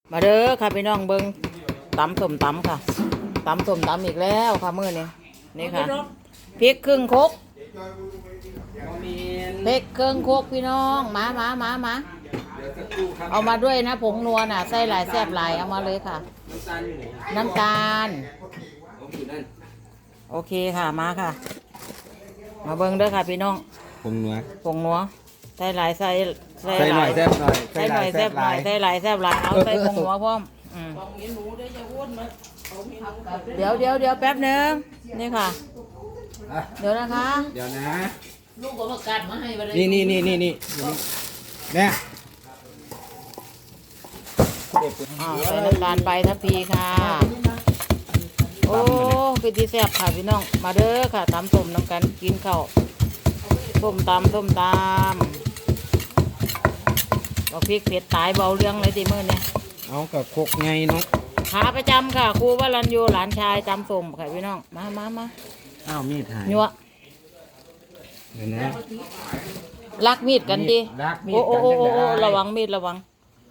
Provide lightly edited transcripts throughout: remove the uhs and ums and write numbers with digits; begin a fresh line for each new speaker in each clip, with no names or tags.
มาเด้อค่ะพี่น้องเบิ้งตำส้มตำค่ะตำส้มตำอีกแล้วค่ะมื้อนี้นี่ค่ะพริกครึ่งครกพริกครึ่งครกพี่น้องมาเอามาด้วยนะผงนัวน่ะใส่หลายแซ่บหลายเอามาเลยค่ะน้ำตาลโอเคค่ะมาค่ะมาเบิ้งเด้อค่ะพี่น้อง
ผงนัว
ใส่หลายใส่
หน่อยแซ่บหน่อย
ใส่หน่อยแซ่บหลายใส่หลายแซ่บหลายเอาใส่ผงนัวพร้อมเดี๋ยวแป๊บนึงนี่ค่ะเดี๋ยวนะคะ
เดี๋ยวนะ
ลูกก็ประกาศมาให้ไปเลย
นี่แม่
ใส่น้ำตาลไปทัพพีค่ะโอ้เป็นที่แซ่บค่ะพี่น้องมาเด้อค่ะตำส้มน้ำกันกินข้าวส้มตำบอกพริกเผ็ดตายเบาเรื่องเลยทีมื้อเนี่ย
เอากับคกไงเนาะ
ขาประจำค่ะครูวรัญญูหลานชายตำส้มค่ะพี่น้องมา
อ้าวมีดหาย
ยั่ว
เดี๋ยวนะ
ลักมีดกันดิโอ้ระวังมีดระวัง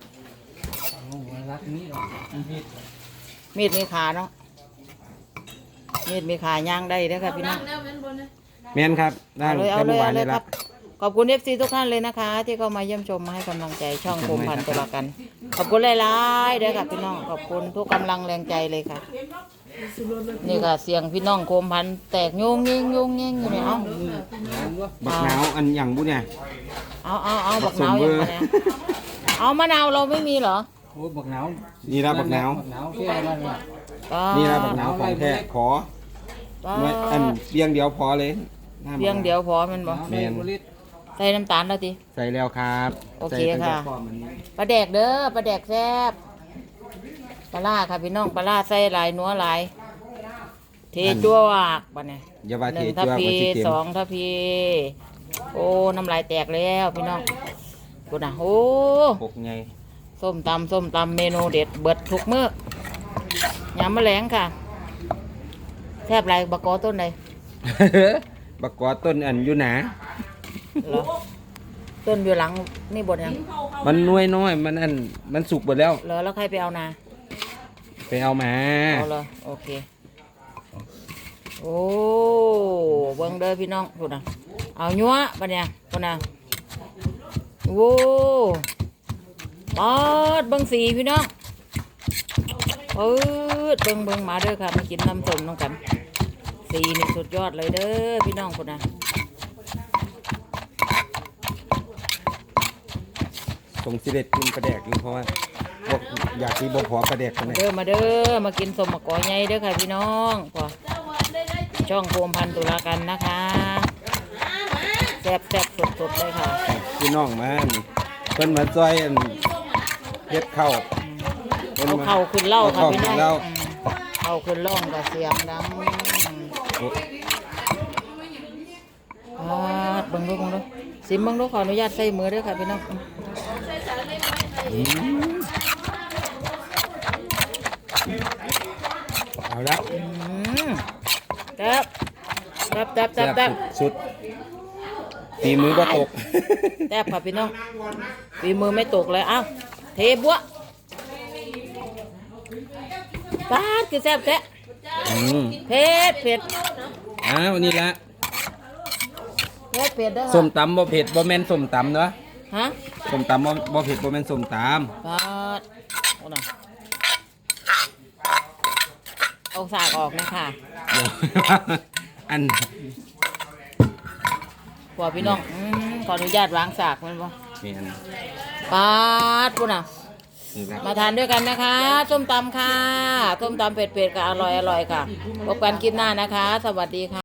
มีดมีขาเนาะมีดมีขาย่างได้เด้อค่ะพี่น้อง
แม่นครับได้
เอาเลยครับขอบคุณFCทุกท่านเลยนะคะที่เข้ามาเยี่ยมชมมาให้กำลังใจช่องโคมพันธุ์ตุลากันขอบคุณหลายๆเด้อค่ะพี่น้องขอบคุณทุกกำลังแรงใจเลยค่ะนี่ค่ะเสียงพี่น้องโคมพันธุ์แตกโยงเงี้ยอยู่เนี่ย
บักหนาวอันอย่างบุเนี่ย
เอาบักหนาวอย่างไรเอามะนาวเราไม่มีเหรอ
โอ้บักหนาวนี่ละบักหนาวนี่ละบักหนาวของแท้ขออันเพียงเดียวพอเลย
เพียงเดียวพอมันบ่ใส่น้ำตาลแล้วที
ใส่แล้วครับ
โอเคค่ะปลาแดกเด้อปลาแดกแซ่บปลาล่าค่ะพี่น้องปลาล่าใส่หลายนัวหลายเทจั่วบ้านเนี่ย1 ทัพพี2 ทัพพีโอ้น้ำลายแตกแล้วพี่น้องกูน่ะโอ้
ปกไง
ส้มตำเมนูเด็ดเบิดทุกมื้อยำแมลงค่ะแซ่บไรบักกอต้นใด
บักกอต้นอันอยู่หนา
ต้นอยู่หลังนี่บดยัง
มันน้อยมันอันมันสุกหมดแล้ว
เหรอแล้วใครไปเอานา
ไปเอามา
เอาเลยโอเคโอ้เบิ้งเด้อพี่น้องพูดนะเอายัวปะเนี่ยพูดนะโอ้ปอดเบิ้งสีพี่น้องเบิ้งมาเด้อค่ะมากินน้ำส้มน้องกันสีนี่สุดยอดเลยเด้อพี่น้องพูดนะ
ส่งสิเด็ดกินปลาแดกอยู่เพราะว่าบอกอยากกินบ่พอปลาแดกกันเลย
มาเด้อมากินสมมะกอใหญ่เด้อค่ะพี่น้องพอช่องโคมพันธุ์ตุลากันนะคะแซ่บสดเลยค่ะ
พี่น้องมาเพิ่นมาซอยเฮ็ดข้าว
เอาเข่าขึ้นเล่าค่ะพี่น้องเข่าขึ้นล่องกับเสียงดังเบิ่งดูสิเบิ่งดูขออนุญาตใส่มือด้วยค่ะพี่น้อง
เอาแล้ว
แซ่บ
สุดฝีมือก็ตก
แซ่บค่ะพี่น้องฝีมือไม่ตกเลยอ้าวเทบัวปาดคือแซ่บแท้เผ็ด
อ้าวนี่ละ
เผ็ดเด้อ
ส้มตำบ่เผ็ดบ่แม่นส้มตำเนาะ
ฮะ
ส้มตำบ่เผ็ดบ่แม่นส้มต
ำปาดโอ้น่ะเอาสากออกนะค่ะ
อัน
พอพี่น้องขออนุญาตวางสากมันบ่ปาดปุ๊น่ะมาทานด้วยกันนะคะส้มตำค่ะส้มตำเผ็ดๆค่ะอร่อยค่ะพบกันคลิปหน้านะคะสวัสดีค่ะ